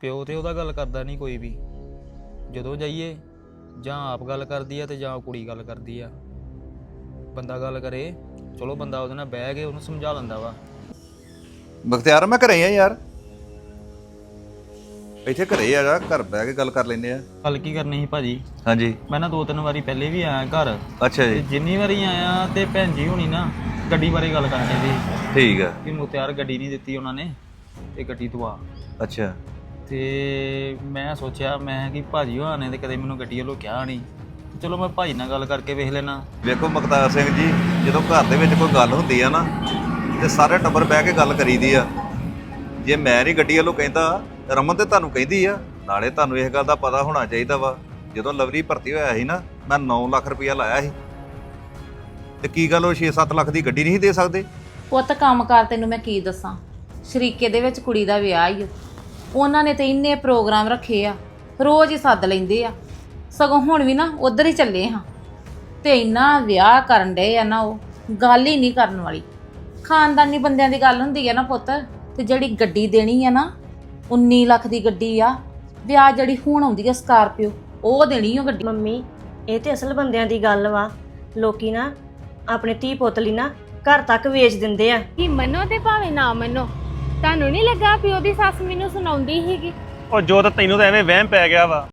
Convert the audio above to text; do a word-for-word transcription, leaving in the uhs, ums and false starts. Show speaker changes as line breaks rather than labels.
ਪਿਓ ਤੇ ਉਹਦਾ ਗੱਲ ਕਰਦਾ ਨਹੀਂ ਕੋਈ ਵੀ। ਜਦੋਂ ਜਾਈਏ ਜਾਂ ਆਪ ਗੱਲ ਕਰਦੀ ਆ ਤੇ ਜਾਂ ਕੁੜੀ ਗੱਲ ਕਰਦੀ ਆ। ਬੰਦਾ ਗੱਲ ਕਰੇ ਚਲੋ ਬੰਦਾ ਉਹਦੇ ਨਾਲ ਬਹਿ ਕੇ ਉਹਨੂੰ ਸਮਝਾ ਲੈਂਦਾ ਵਾ।
ਬਖਤਿਆਰ ਮੈਂ ਘਰੇ ਆ ਯਾਰ, ਇੱਥੇ ਘਰੇ ਆ ਜਾ, ਘਰ ਬਹਿ ਕੇ ਗੱਲ ਕਰ ਲੈਂਦੇ ਆ।
ਗੱਲ ਕੀ ਕਰਨੀ ਸੀ ਭਾਜੀ?
ਹਾਂਜੀ।
ਮੈਂ ਨਾ ਦੋ ਤਿੰਨ ਵਾਰੀ ਪਹਿਲੇ ਵੀ ਆਇਆ ਘਰ।
ਅੱਛਾ ਜੀ।
ਤੇ ਜਿੰਨੀ ਵਾਰੀ ਆਇਆ ਤੇ ਭੈਣ ਜੀ ਹੋਣੀ ਨਾ ਗੱਡੀ ਬਾਰੇ ਗੱਲ ਕਰਦੇ ਸੀ।
ਠੀਕ ਆ।
ਕਿ ਮੁਖਤਿਆਰ ਗੱਡੀ ਨਹੀਂ ਦਿੱਤੀ ਉਹਨਾਂ ਨੇ ਤੇ ਗੱਡੀ ਦਵਾ।
ਅੱਛਾ।
ਤੇ ਮੈਂ ਸੋਚਿਆ ਮੈਂ ਕਿ ਭਾਜੀ ਹੋਣਾ ਨੇ ਤੇ ਕਦੇ ਮੈਨੂੰ ਗੱਡੀ ਵੱਲੋਂ ਕਿਹਾ ਨਹੀਂ, ਚਲੋ ਮੈਂ ਭਾਜੀ ਨਾਲ ਗੱਲ ਕਰਕੇ ਵੇਖ ਲੈਣਾ।
ਵੇਖੋ ਮੁਖਤਾਰ ਸਿੰਘ ਜੀ, ਜਦੋਂ ਘਰ ਦੇ ਵਿੱਚ ਕੋਈ ਗੱਲ ਹੁੰਦੀ ਆ ਨਾ ਤੇ ਸਾਰੇ ਟੱਬਰ ਬਹਿ ਕੇ ਗੱਲ ਕਰੀਦੀ ਆ। ਜੇ ਮੈਂ ਨਹੀਂ ਗੱਡੀ ਵੱਲੋਂ ਕਹਿੰਦਾ, ਰਮਨ ਤੇ ਤੁਹਾਨੂੰ ਕਹਿੰਦੀ ਆ। ਨਾਲੇ ਤੁਹਾਨੂੰ ਇਸ ਗੱਲ ਦਾ ਪਤਾ ਹੋਣਾ ਚਾਹੀਦਾ ਵਾ, ਜਦੋਂ ਲਵਲੀ ਭਰਤੀ ਹੋਇਆ ਸੀ ਨਾ, ਮੈਂ ਨੌ ਲੱਖ ਰੁਪਇਆ ਲਾਇਆ ਸੀ ਤੇ ਕੀ ਗੱਲ ਉਹ ਛੇ ਸੱਤ ਲੱਖ ਦੀ ਗੱਡੀ ਨਹੀਂ ਦੇ ਸਕਦੇ?
ਪੁੱਤ ਕੰਮ ਕਰ ਤੈਨੂੰ ਮੈਂ ਕੀ ਦੱਸਾਂ, ਸ਼ਰੀਕੇ ਦੇ ਵਿੱਚ ਕੁੜੀ ਦਾ ਵਿਆਹ ਹੀ ਉਹਨਾਂ ਨੇ ਤੇ ਇੰਨੇ ਪ੍ਰੋਗਰਾਮ ਰੱਖੇ ਆ, ਰੋਜ਼ ਹੀ ਸੱਦ ਲੈਂਦੇ ਆ। ਸਗੋਂ ਹੁਣ ਵੀ ਨਾ ਉਧਰ ਹੀ ਚੱਲੇ ਹਾਂ ਤੇ ਇੰਨਾ ਵਿਆਹ ਕਰਨ ਡਏ ਆ ਨਾ, ਉਹ ਗੱਲ ਹੀ ਨਹੀਂ ਕਰਨ ਵਾਲੀ। ਖਾਨਦਾਨੀ ਬੰਦਿਆਂ ਦੀ ਗੱਲ ਹੁੰਦੀ ਆ ਨਾ ਪੁੱਤ। ਤੇ ਜਿਹੜੀ ਗੱਡੀ ਦੇਣੀ ਆ ਨਾ ਉੱਨੀ ਲੱਖ ਦੀ ਗੱਡੀ ਆ, ਵਿਆਹ ਜਿਹੜੀ ਹੁਣ ਆਉਂਦੀ ਆ ਸਕਾਰਪੀਓ, ਉਹ ਦੇਣੀ ਉਹ ਗੱਡੀ।
ਮੰਮੀ ਇਹ ਤੇ ਅਸਲ ਬੰਦਿਆਂ ਦੀ ਗੱਲ ਵਾ। ਲੋਕੀ ਨਾ ਆਪਣੇ ਧੀ ਪੁੱਤ ਲਈ ਨਾ ਘਰ ਤੱਕ ਵੇਚ ਦਿੰਦੇ ਆ।
ਕਿ ਮੰਨੋ ਤੇ ਭਾਵੇਂ ਨਾ ਮੰਨੋ, ਤੁਹਾਨੂੰ ਨਹੀਂ ਲੱਗਾ ਵੀ ਉਹਦੀ ਸੱਸ ਮੈਨੂੰ ਸੁਣਾਉਂਦੀ ਸੀਗੀ?
ਉਹ ਜੋ ਤਾਂ ਤੈਨੂੰ ਤਾਂ ਐਵੇਂ ਵਹਿਮ ਪੈ ਗਿਆ ਵਾ।